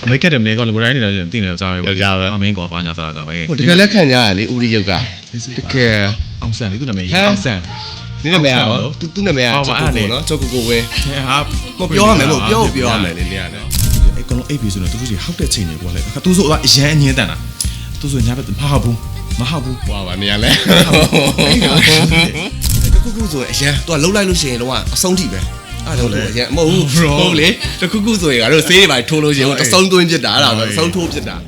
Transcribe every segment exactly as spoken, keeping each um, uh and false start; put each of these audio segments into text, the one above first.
မိတ်ကတယ်မလဲကောလိုတိုင်းနေတော့တင်နေစားပဲအမင်းကောဘာညာစားတာပဲဟိုတကယ်လက်ခံကြရလေဦးရီရုပ်ကတကယ်အောင်ဆန်လေးသူနာမည်အောင်ဆန်နင်းနာမည်ရောသူသူနာမည်ကချောကိုကိုနော်ချောကိုကိုဝင်းဟာမပြောရမယ်လို့ပြောပြောရမယ်လေနေရတယ်အဲ့ကောင်လုံးအိပ်ပြီဆိုတော့သူတို့ကြီးဟောက်တဲ့ချိန်တွေပေါ့လေအခါသူဆိုအရန်အငင်းတန်တာသူဆိုညာဘက်မဟုတ်ဘူးမဟုတ်ဘူးဟွာပါနေရလဲတခုခုဆိုအရန်သူကလှုပ်လိုက်လို့ရှိရင်တော့အဆုံးထိပဲအဲ့ဒါတော့အရန်မဟုတ်ဘူးဟုတ်လေတခုခုဆိုရင်ကတော့ဆေးတွေပါထိုးလို့ရှိရင်တဆုံးသွင်းဖြစ်တာအဲ့ဒါပဲအဆုံးထိုးဖြစ်တာ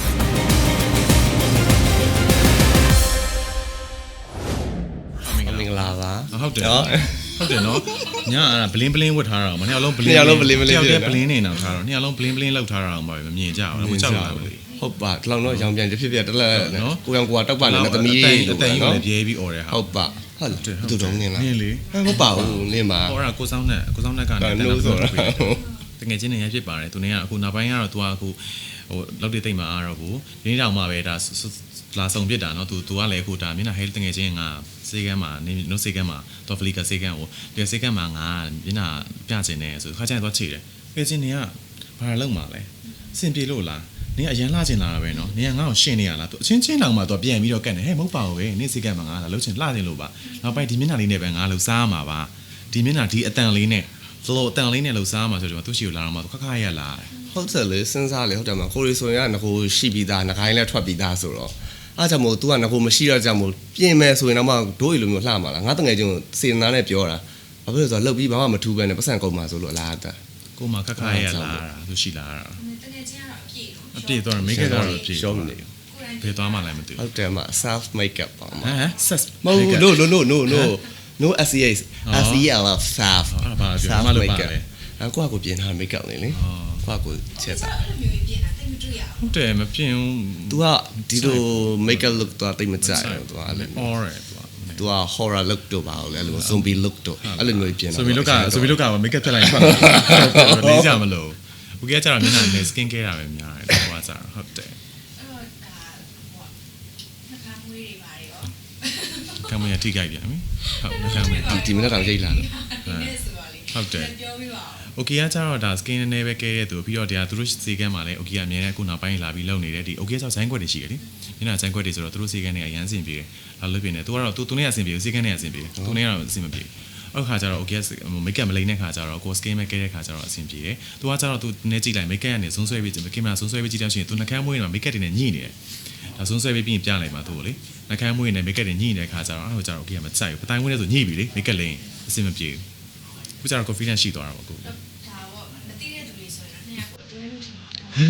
မင်္ဂလာပါဟုတ်တယ်ဟုတ်တယ်နော်ညာအဲ့ဒါဘလင်းဘလင်းဝတ်ထားတာမနေ့ကလုံးဘလင်းနှစ်ယောက်လုံးဘလင်းဘလင်းတယောက်တည်းဘလင်းနေအောင်ထားတော့နှစ်ယောက်လုံးဘလင်းဘလင်းလောက်ထားတာအောင်ပါပဲမမြင်ကြဘူးမကြောက်ဘူးဟုတ်ပါဒီလောက်တော့ရောင်ပြန်ဖြစ်ဖြစ်တလက်နော်ကိုရောင်ကိုကတောက်ပါနဲ့သမီးအတန်ကြီးလည်းပြေးပြီးអော်တယ်ဟာဟုတ်ပါဟုတ်လားသူတော်နေလားနင်းလေဟုတ်ပါဘူးနင်းပါဟောတာကိုစောင်းနဲ့ကိုစောင်းနဲ့ကနေတန်းဆိုတော့တကယ်ချင်းနေရဖြစ်ပါတယ်သူနေကအခုနောက်ပိုင်းကတော့ तू ကအခုဟိုလောက်တိတ်တိတ်မှာအားတော့ဘူးဒီနေ့တောင်မှပဲဒါလာဆောင်ပြစ်တာเนาะ तू तू ကလည်းအခုဒါမျက်နှာဟဲတကယ်ချင်းငါစေကန်းမှာနေနို့စေကန်းမှာတော့ဖလီကစေကန်းကိုဒီစေကန်းမှာငါမျက်နှာပြချင်တယ်ဆိုခါကျရင်သွားချေတယ်တကယ်ချင်းနေကဘာလုပ်မှာလဲစင်ပြေလို့လားနေအရန်လှချင်လာတာပဲเนาะနေကငါ့ကိုရှင်းနေရလား तू အချင်းချင်းတောင်မှ तू ပြန်ပြီးတော့ကတ်နေဟဲ့မဟုတ်ပါဘူးပဲနေစေကန်းမှာငါလာလှုပ်ချင်လှချင်လို့ပါနောက်ပိုင်းဒီမျက်နှာလေးနဲ့ပဲငါလှုပ်စားမှာပါဒီမျက်နှာဒီအတန်လေးနဲ့စလိုအတန်လေးနဲ့လှုပ်စားမှာဆိုတော့သူ့ရှိကိုလာတော့မှ तू ခက်ခက်ရလာတယ်ဟုတ်တယ်လေစဉ်းစားလေဟုတ်တယ်မကိုရီဆိုရင်ကငကိုရှိပြီးသားငကိုင်းလည်းထွက်ပြီးသားဆိုတော့အားကြောင့်မို့ तू ကငကိုမရှိတော့ကြောင့်မို့ပြင်မယ်ဆိုရင်တော့မှဒိုးရီလိုမျိုးလှမှာလားငါတငယ်ချင်းစေနာနဲ့ပြောတာဘာဖြစ်လို့ဆိုတော့လှုပ်ပြီးဘာမှမထူးပဲနဲ့ပတ်စံကုန်မှာဆိုလို့လားတာကိုမခက်ခါရလာတာသူရှိလာတာတကယ်ချင်းကတော့အပြည့်တော့အပြည့်တော့ make up တော့အပြည့်ရှောင်းနေဘယ်သွားမှလည်းမသိဟုတ်တယ်မ self makeup ပါမဟမ် set မဟုတ် no no no no no no S E A S E L self အဲ့ဒါပါပြောမလို့ပါတယ်အဲ့ကိုကကိုပြင်ထား makeup နေလေကိုကကိုချက်တာအဲ့လိုမျိုးပြင်တာတိတ်မတွေ့ရဘူးဟုတ်တယ်မပြင်းဘူး तू ကဒီလို makeup look တော့တိတ်မကြိုက်ဘူး तू ကလည်း alright तू က horror look တော့ပါလို့အဲ့လို zombie look တော့အဲ့လိုမျိုးပြင်တာဆိုပြီးလောက်ကဆိုပြီးလောက်က make up ဖြတ်လိုက်ထွက်လေးကြမလို့ဦးကကျတော့မျက်နှာနဲ့ skin care တာပဲများတယ်တော့ကကျတော့ဟုတ်တယ်အဲ့တော့ဒါဟိုနှခမ်းမွေးတွေပါရောကံမရထိခိုက်ပြန်ပြီဟုတ်နှခမ်းမရဒီဒီမနေ့တောင်ရိတ်လာတယ်ဒီနေ့ဆိုပါလေဟုတ်တယ်ပြောပြပါဦးโอเคကကျတော့ဒါ skin နည်းနည်းပဲကဲတဲ့သူပြီးတော့တရားသူတို့စီကန်းမှာလည်း okay အမြဲတမ်းအခုနောက်ပိုင်းလာပြီးလုံနေတဲ့ဒီ okay ဆိုဇိုင်းခွက်တွေရှိတယ်လေညနာဇိုင်းခွက်တွေဆိုတော့သူတို့စီကန်းတွေအရန်စင်ပြေတယ်လာလို့ပြနေသူကတော့သူသူနဲ့အစင်ပြေစီကန်းနဲ့အစင်ပြေသူနဲ့ကတော့အစင်မပြေအဲ့ခါကျတော့ okay makeup မလိမ့်တဲ့ခါကျတော့ကို skin ပဲကဲတဲ့ခါကျတော့အဆင်ပြေတယ်သူကကျတော့သူနည်းကြည့်လိုက် makeup ကနေဇွန်းဆွဲပြီးကင်မရာဇွန်းဆွဲပြီးကြည့်တော့ရှိရင်သူနှကမ်းမွေးနေမှာ makeup တွေနဲ့ညှိနေတယ်ဒါဇွန်းဆွဲပြီးပြင်ပြလိုက်ပါသူ့ကိုလေနှကမ်းမွေးနေ makeup တွေညှိနေတဲ့ခါကျတော့အဲ့ဟိုကျတော့ okay မကြိုက်ဘူးပတိုင်းမွေးနေဆိုညှိပြီလေ makeup လိမ့်အဆင်မပြေဘူးခုကျတော့ confidence ရှိသွားတာပေါ့ကိုဒါပေါ့မသိတဲ့သူတွေဆိုရင်တော့နှစ်ယောက်ကိုအတွဲလို့ထင်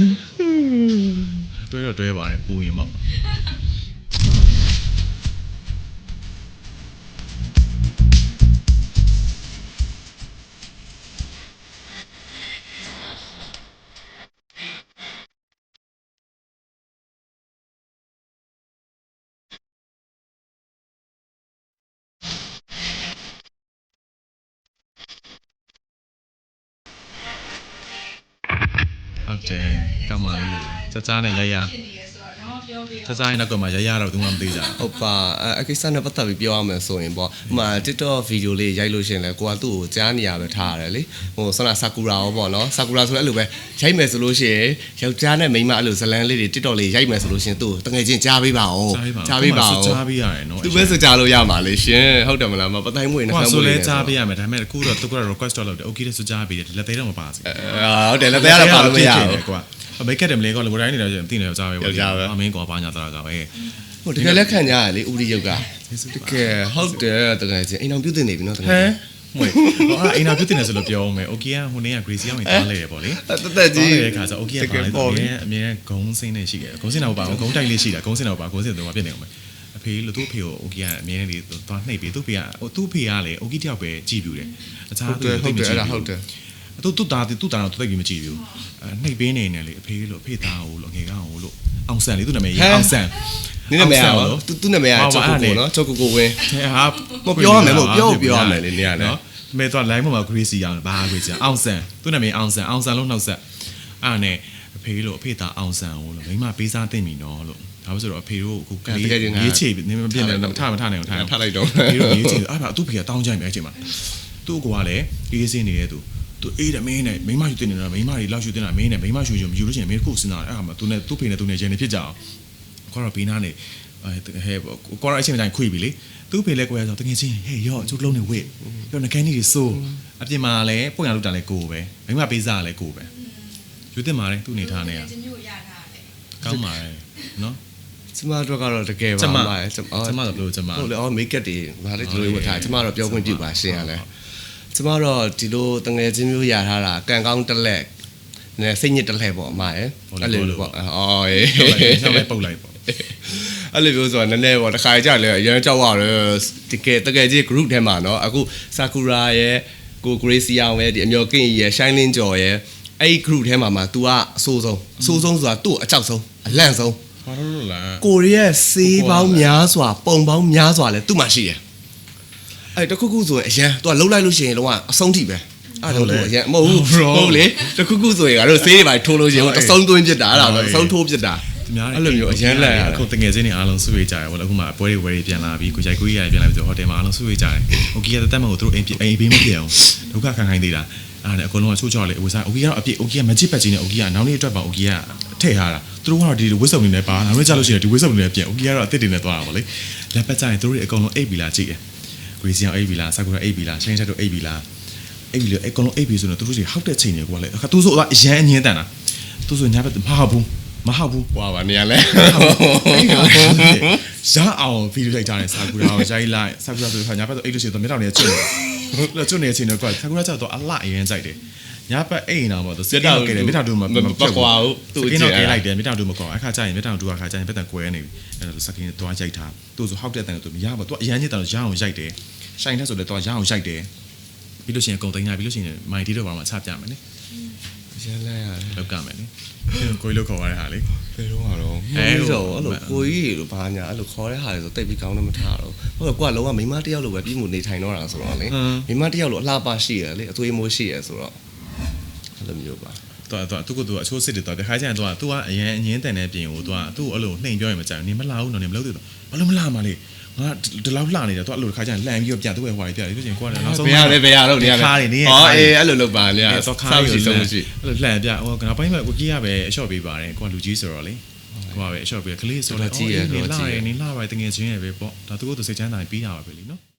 တာတွဲတော့တွဲပါတယ်ပူရင်ပေါ့ဟုတ်တယ်ကမ္မလေးစစနဲ့ရရဖြစ်နေရဆိုတော့တော့ပြောပြစစနဲ့တော့ကမှရရတော့သူမှမသိကြဘူးဟုတ်ပါအကိစ္စနဲ့ပတ်သက်ပြီးပြောရမယ်ဆိုရင်ပေါ့ဟိုမှာ TikTok ဗီဒီယိုလေးရိုက်လို့ရှိရင်လည်းကိုကသူ့ကိုကြားနေရပဲထားရတယ်လေဟိုဆန္ဒဆာကူရာရောပေါ့နော်ဆာကူရာဆိုလည်းအဲ့လိုပဲရိုက်မယ်ဆိုလို့ရှိရင်ယောက်ျားနဲ့မိန်းမအဲ့လိုဇလန်းလေးတွေ TikTok လေးရိုက်မယ်ဆိုလို့ရှိရင်သူ့တကယ်ချင်းကြားပေးပါအောင်ကြားပေးပါအောင်ကြားပေးရတယ်နော်သူပဲဆိုကြားလို့ရမှာလေရှင်ဟုတ်တယ်မလားမပတိုင်းမွေးနှခမ်းမွေးဆိုလဲကြားပေးရမယ်ဒါပေမဲ့အခုတော့သူက request တော့လုပ်တယ် okay ဆိုကြားပေးတယ်လက်သေးတော့မပါစေဟုတ်တယ်လက်သေးရတော့ပါလို့မရဘူးကွာမိတ်ကတယ်မလဲကောလိုတိုင်းနေတော့တင်နေတော့ကြားပဲပေါ့အမင်းကောဘာညာသားကပဲဟိုတကယ်လက်ခံကြရလေဦးရီရုပ်ကတကယ်ဟုတ်တယ်တကယ်ချင်းအိမ်အောင်ပြုတ်တင်နေပြီနော်တကယ်ဟမ်မွေဟောအိမ်နာပြုတ်တင်နေဆိုလို့ပြောအောင်မယ် okay ကဟိုနေ့က Gracie ရောက်နေသွားလေတယ်ပေါ့လေတသက်ကြီးတဲ့ခါကျ okay ကပါလေအမြဲအမြဲဂုံးစင်းနေရှိတယ်ဂုံးစင်းတော့ပါဂုံးတိုက်လေးရှိတာဂုံးစင်းတော့ပါဂုံးစင်းတော့ပြစ်နေအောင်မယ်အဖေလို့သူ့ဖေကို okay ကအမြဲတည်းသွားနှိပ်ပြီးသူ့ဖေကဟိုသူ့ဖေကလေ okay တယောက်ပဲကြည်ပြူတယ်အခြားဟုတ်တယ်ဟုတ်တယ်အဲ့ဒါဟုတ်တယ်သူသူ့သားသူ့သားတော့တိတ်ပြီးမကြည့်ဘူးအဲနှိပ်ပေးနေနေလေအဖေလို့အဖေသားကိုလို့ငယ်ကောင်ကိုလို့အောင်ဆန်လေးသူ့နာမည်အောင်ဆန်နင်းနာမည်ရောသူသူနာမည်ကချောကိုကိုနော်ချောကိုကိုဝင်းဟာမပြောရမယ်လို့ပြောပြောရမယ်လေနေရလေနော်မဲတော့ line မှာ Gracie အောင်ဘာ Gracie အောင်ဆန်သူ့နာမည်အောင်ဆန်အောင်ဆန်လို့နှောက်ဆက်အဲ့နဲ့အဖေလို့အဖေသားအောင်ဆန်ကိုလို့မိမပေးစားတင်ပြီနော်လို့ဒါဆိုတော့အဖေတို့အခုကလေးရေးချေနေမပြည့်နေထမထနိုင်အောင်ထားထားလိုက်တော့ဖေတို့ရေးချေအဲ့ဒါသူ့ဖေကတောင်းကြိုင်ပဲအချိန်မှာသူ့ကိုကလည်းရေးစင်းနေတဲ့သူသူသူအေးတယ်မင်းနဲ့မိမယူတင်နေတာမိမတွေလောက်ယူတင်တာမင်းနဲ့မိမယူယူမယူလို့ရှိရင်မင်းကိုစဉ်းစားတယ်အဲ့ဟာမှာသူနဲ့သူ့ဖေနဲ့သူနဲ့ချင်းနေဖြစ်ကြအောင်ခေါ်တော့ဘေးနားနေဟဲ့ကောရအချင်းတိုင်းခွေပြီလေသူ့ဖေလဲကိုရဆိုတကယ်ချင်းဟေးရောကျုပ်လုံးနေဝစ်ရောငကန်းကြီးတွေစိုးအပြင်မှာလည်းပုံရလောက်တာလဲကိုပဲမိမပေးစားလဲကိုပဲယူတင်ပါလေသူ့အနေထားနဲ့ချင်းမျိုးရထားတယ်ကောင်းပါတယ်နော်ကျမတို့ကတော့တကယ်ပါပါကျမကျမတို့ဘယ်လိုကျမဟုတ်လေအော်မိတ်ကပ်တွေဗာလေဒီလိုဝတ်ထားကျမတော့ပြောခွင့်ပြုပါရှင်းရလဲကျမတော့ဒီလိုတငယ်ချင်းမျိုးရထားတာကန်ကောင်းတက်လက်နဲစိတ်ညစ်တက်လက်ပေါ့အမရဲ့အဲ့လိုပေါ့အော်ရေးဆက်လိုက်ပုတ်လိုက်ပေါ့အဲ့လိုမျိုးဆိုတာနည်းနည်းပေါ့တစ်ခါကြလဲအရင်ကြောက်ရတယ်တကယ်တကယ်ကြီး group ထဲမှာเนาะအခု Sakura ရဲ့ကို Gracie အောင်ရဲ့ဒီအမျိုးကင်းရဲ့ Shining ကျော်ရဲ့အဲ့ group ထဲမှာမှာ तू ကအဆိုးဆုံးအဆိုးဆုံးဆိုတာသူ့အကြောက်ဆုံးအလန့်ဆုံးဘာလို့လဲကိုရီးယားစေးပေါင်းများစွာပုံပေါင်းများစွာလဲသူ့မှာရှိတယ်အဲ့တခုခုဆိုရင်အရန် तू ကလှုပ်လိုက်လို့ရှိရင်တော့အဆုံးထိပဲအဲ့ဒါတော့အရန်မဟုတ်ဘူးဟုတ်လေတခုခုဆိုရင်ကတော့ဆေးတွေပါထိုးလို့ရှိရင်တဆုံးသွင်းပြစ်တာအဲ့ဒါပဲတဆုံးထိုးပြစ်တာအဲ့လိုမျိုးအရန်လက်ရတယ်အခုတငယ်ချင်းတွေအားလုံးဆွေးကြတယ်ဗောလေအခုမှပွဲတွေဝယ်တွေပြန်လာပြီးကိုရိုက်ကိုကြီးရပြန်လာပြီးဆိုဟိုတယ်မှာအားလုံးဆွေးကြတယ်ဟိုကြီးကတက်မှကိုသူတို့အိမ်အိမ်ဘေးမပြေအောင်ဒုက္ခခံခိုင်းသေးတာအဲ့ဒါအကုန်လုံးကချိုးချော်လေဝစားအိုကြီးကတော့အပြည့်အိုကြီးကမကြည့်ပတ်ချင်းနဲ့အိုကြီးကနောက်နေ့အတွက်ပါအိုကြီးကထည့်ထားတာသူတို့ကတော့ဒီဝစ်စုံနေနဲ့ပါနောက်နေ့ကျလို့ရှိရင်ဒီဝစ်စုံနေနဲ့ပြန်အိုကြီးကတော့အစ်စ်တွေနဲ့သွားတာဗောလေလက်ပတ်ကြရင်သူတို့တွေအကုန်လုံးအိပ်ပြီလားကြည့်တယ်ကိုကြီးစီအောင်အိပ်ပြီလားဆာကူရာအိပ်ပြီလားရှိန်ချက်တို့အိပ်ပြီလားအိပ်ပြီလေအကုန်လုံးအိပ်ပြီဆိုတော့သူတို့တွေဟောက်တဲ့ချိန်တွေကလေအခါသူဆိုအရန်အငင်းတန်တာသူဆိုညာဘက်မဟုတ်ဘူးမဟုတ်ဘူးဟွာပါနေရလဲရအောင်ဗီဒီယိုရိုက်ကြတယ်ဆာကူရာကိုရိုက်လိုက်ဆာကူရာဆိုတော့ညာဘက်တော့အိတ်လို့ရှိရင်တော့မျက်တောင်တွေကကျွတ်နေတယ်ကျွတ်နေတဲ့အချိန်တော့ကွာဆာကူရာကျတော့အလှအရင်ကြိုက်တယ်ညာဘက်အိမ်အောင်ပေါ့သူစက်တော့ကဲတယ်မျက်တောင်တူမှာမကွာဘူးသူကင်းတော့ကဲလိုက်တယ်မျက်တောင်တူမကွာအခါကျရင်မျက်တောင်တူအခါကျရင်ဘက်တန်ကွဲနေပြီအဲ့တော့စကင်းတော့ရိုက်ထားသူဆိုဟောက်တဲ့တန်တော့သူမရပါသူအရန်ကြီးတောင်ရအောင်ရိုက်တယ်ရှိုင်းတဲ့ဆိုလည်းတော့ရအောင်ရိုက်တယ်ပြီးလို့ရှိရင်ကုံတိုင်းရပြီးလို့ရှိရင်မိုင်တီတော့ဘာမှချပြမယ်လေရန်လဲရတယ်လောက်ကမယ်လေကိုကြီးလောက်ခေါ်ရတဲ့ဟာလေဘယ်တော့မှတော့အဲ့လိုအဲ့လိုကိုကြီးလိုဘာညာအဲ့လိုခေါ်တဲ့ဟာတွေဆိုတိတ်ပြီးကောင်းတော့မထားတော့ဟုတ်ကဲ့ကိုကလုံးဝမိမတယောက်လိုပဲပြည်မှုနေထိုင်တော့တာဆိုတော့လေမိမတယောက်လိုအလှပရှိရလေအသွေးမိုးရှိရဆိုတော့အဲ့လိုမျိုးပါတော့တော့သူကသူအချိုးစစ်တွေတော့တခါကျရင်တော့သူကအရင်အငင်းတန်တဲ့ပြင်ကိုသူကသူ့အဲ့လိုနှိမ်ပြောရင်မကြောက်နေမလာဘူးနော်နေမလုပ်သေးတော့ဘာလို့မလာမလဲငါဒီလောက်လှနေတယ်သူအဲ့လိုတခါကျရင်လှန်ပြီးတော့ပြန်သူ့ရဲ့ဟွာတွေပြတယ်လို့ချင်းကိုကလည်းနောက်ဆုံးဘယ်ရလဲဘယ်ရတော့နေရလဲခါတွေနေဟောအေးအဲ့လိုလုပ်ပါနေရစောခါတွေရှိဆုံးရှိအဲ့လိုလှန်ပြဟိုကနောက်ပိုင်းမှာကိုကြီးကပဲအလျှော့ပေးပါတယ်ကိုကလူကြီးဆိုတော့လေကိုကပဲအလျှော့ပေးကလေးဆိုတော့နေလာတယ်နေလာပါတကယ်ချင်းရပဲပေါ့ဒါသူကသူစိတ်ချမ်းသာပြီးတာပါပဲလीနော်